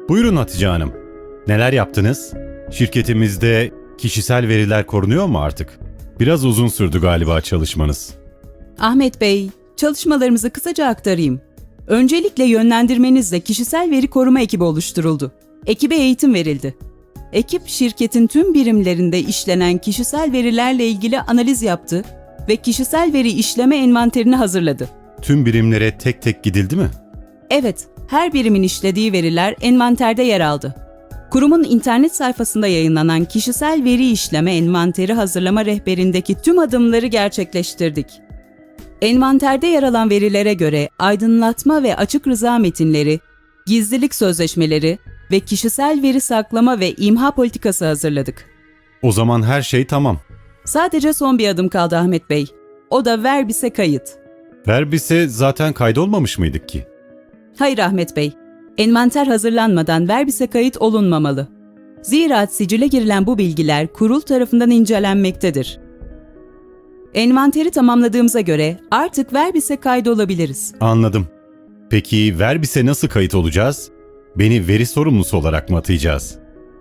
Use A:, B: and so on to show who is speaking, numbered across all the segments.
A: Buyurun Hatice Hanım. Neler yaptınız? Şirketimizde kişisel veriler korunuyor mu artık? Biraz uzun sürdü galiba çalışmanız.
B: Ahmet Bey, çalışmalarımızı kısaca aktarayım. Öncelikle yönlendirmenizle kişisel veri koruma ekibi oluşturuldu. Ekibe eğitim verildi. Ekip, şirketin tüm birimlerinde işlenen kişisel verilerle ilgili analiz yaptı ve kişisel veri işleme envanterini hazırladı.
A: Tüm birimlere tek tek gidildi mi?
B: Evet, her birimin işlediği veriler envanterde yer aldı. Kurumun internet sayfasında yayınlanan kişisel veri işleme envanteri hazırlama rehberindeki tüm adımları gerçekleştirdik. Envanterde yer alan verilere göre aydınlatma ve açık rıza metinleri, gizlilik sözleşmeleri ve kişisel veri saklama ve imha politikası hazırladık.
A: O zaman her şey tamam.
B: Sadece son bir adım kaldı Ahmet Bey. O da Verbis'e kayıt.
A: Verbis'e zaten kaydolmamış mıydık ki?
B: Hayır Ahmet Bey, envanter hazırlanmadan Verbis'e kayıt olunmamalı. Zira sicile girilen bu bilgiler kurul tarafından incelenmektedir. Envanteri tamamladığımıza göre artık Verbis'e kaydolabiliriz.
A: Anladım. Peki Verbis'e nasıl kayıt olacağız? Beni veri sorumlusu olarak mı atayacağız?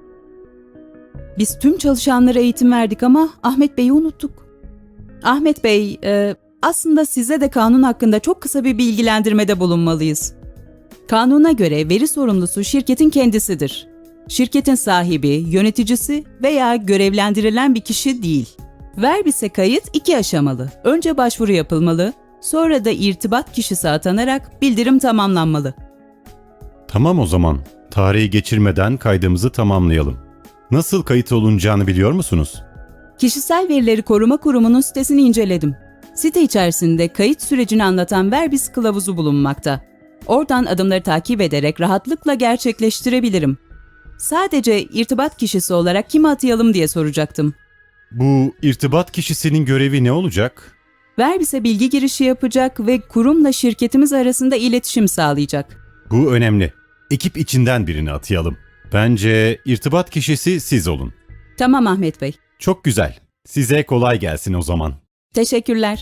B: Biz tüm çalışanlara eğitim verdik ama Ahmet Bey'i unuttuk. Ahmet Bey, aslında size de kanun hakkında çok kısa bir bilgilendirmede bulunmalıyız. Kanuna göre veri sorumlusu şirketin kendisidir. Şirketin sahibi, yöneticisi veya görevlendirilen bir kişi değil. Verbis'e kayıt 2 aşamalı. Önce başvuru yapılmalı, sonra da irtibat kişisi atanarak bildirim tamamlanmalı.
A: Tamam o zaman. Tarihi geçirmeden kaydımızı tamamlayalım. Nasıl kayıt olunacağını biliyor musunuz?
B: Kişisel Verileri Koruma Kurumu'nun sitesini inceledim. Site içerisinde kayıt sürecini anlatan Verbis kılavuzu bulunmakta. Oradan adımları takip ederek rahatlıkla gerçekleştirebilirim. Sadece irtibat kişisi olarak kimi atayalım diye soracaktım.
A: Bu irtibat kişisinin görevi ne olacak?
B: Verbis'e bilgi girişi yapacak ve kurumla şirketimiz arasında iletişim sağlayacak.
A: Bu önemli. Ekip içinden birini atayalım. Bence irtibat kişisi siz olun.
B: Tamam Ahmet Bey.
A: Çok güzel. Size kolay gelsin o zaman.
B: Teşekkürler.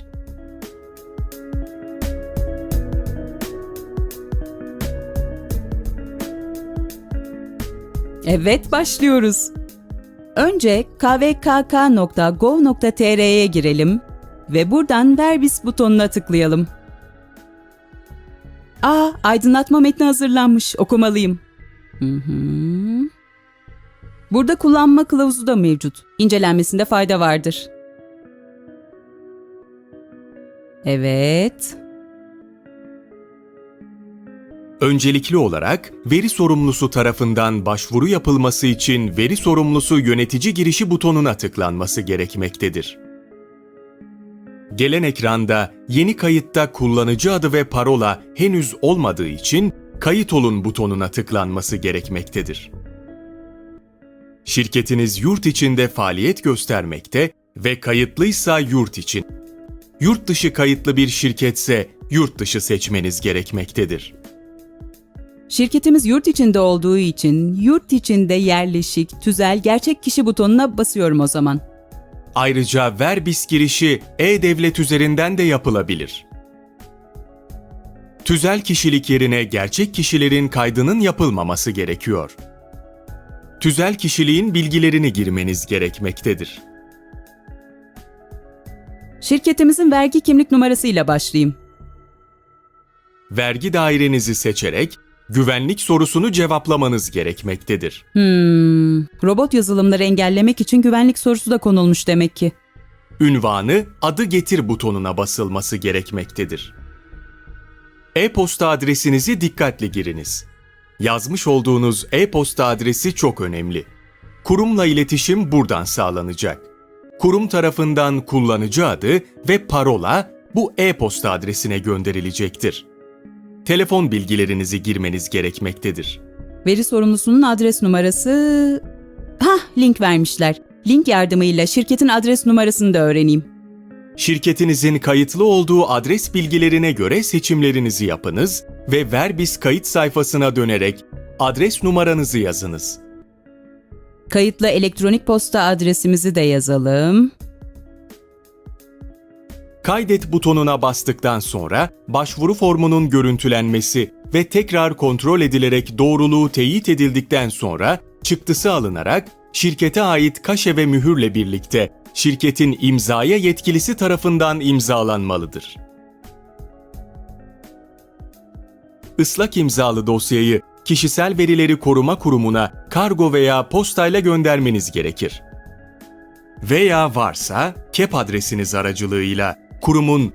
B: Evet, başlıyoruz. Önce kvkk.gov.tr'ye girelim ve buradan Verbis butonuna tıklayalım. Aydınlatma metni hazırlanmış, okumalıyım. Burada kullanma kılavuzu da mevcut. İncelenmesinde fayda vardır. Evet.
C: Öncelikli olarak veri sorumlusu tarafından başvuru yapılması için veri sorumlusu yönetici girişi butonuna tıklanması gerekmektedir. Gelen ekranda yeni kayıtta kullanıcı adı ve parola henüz olmadığı için kayıt olun butonuna tıklanması gerekmektedir. Şirketiniz yurt içinde faaliyet göstermekte ve kayıtlıysa yurt için, yurt dışı kayıtlı bir şirketse yurt dışı seçmeniz gerekmektedir.
B: Şirketimiz yurt içinde olduğu için yurt içinde yerleşik, tüzel, gerçek kişi butonuna basıyorum o zaman.
C: Ayrıca Verbis girişi e-Devlet üzerinden de yapılabilir. Tüzel kişilik yerine gerçek kişilerin kaydının yapılmaması gerekiyor. Tüzel kişiliğin bilgilerini girmeniz gerekmektedir.
B: Şirketimizin vergi kimlik numarasıyla başlayayım.
C: Vergi dairenizi seçerek güvenlik sorusunu cevaplamanız gerekmektedir.
B: Robot yazılımları engellemek için güvenlik sorusu da konulmuş demek ki.
C: Ünvanı adı getir butonuna basılması gerekmektedir. E-posta adresinizi dikkatli giriniz. Yazmış olduğunuz e-posta adresi çok önemli. Kurumla iletişim buradan sağlanacak. Kurum tarafından kullanıcı adı ve parola bu e-posta adresine gönderilecektir. Telefon bilgilerinizi girmeniz gerekmektedir.
B: Veri sorumlusunun adres numarası... link vermişler. Link yardımıyla şirketin adres numarasını da öğreneyim.
C: Şirketinizin kayıtlı olduğu adres bilgilerine göre seçimlerinizi yapınız ve Verbis kayıt sayfasına dönerek adres numaranızı yazınız.
B: Kayıtlı elektronik posta adresimizi de yazalım.
C: Kaydet butonuna bastıktan sonra başvuru formunun görüntülenmesi ve tekrar kontrol edilerek doğruluğu teyit edildikten sonra çıktısı alınarak şirkete ait kaşe ve mühürle birlikte şirketin imzaya yetkilisi tarafından imzalanmalıdır. Islak imzalı dosyayı Kişisel Verileri Koruma Kurumu'na kargo veya postayla göndermeniz gerekir. Veya varsa KEP adresiniz aracılığıyla kurumun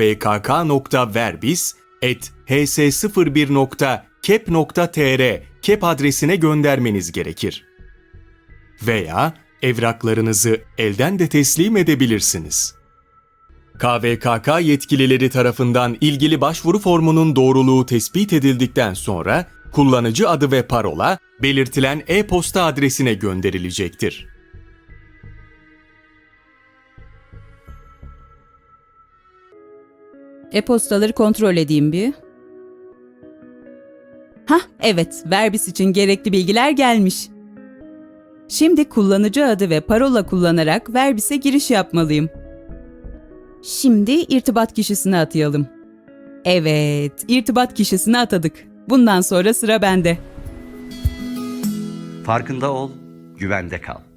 C: kvkk.verbis@hs01.kep.tr KEP adresine göndermeniz gerekir. Veya evraklarınızı elden de teslim edebilirsiniz. KVKK yetkilileri tarafından ilgili başvuru formunun doğruluğu tespit edildikten sonra kullanıcı adı ve parola belirtilen e-posta adresine gönderilecektir.
B: E-postaları kontrol edeyim bir. Hah, evet, Verbis için gerekli bilgiler gelmiş. Şimdi kullanıcı adı ve parola kullanarak Verbis'e giriş yapmalıyım. Şimdi irtibat kişisine atayalım. Evet, irtibat kişisine atadık. Bundan sonra sıra bende.
D: Farkında ol, güvende kal.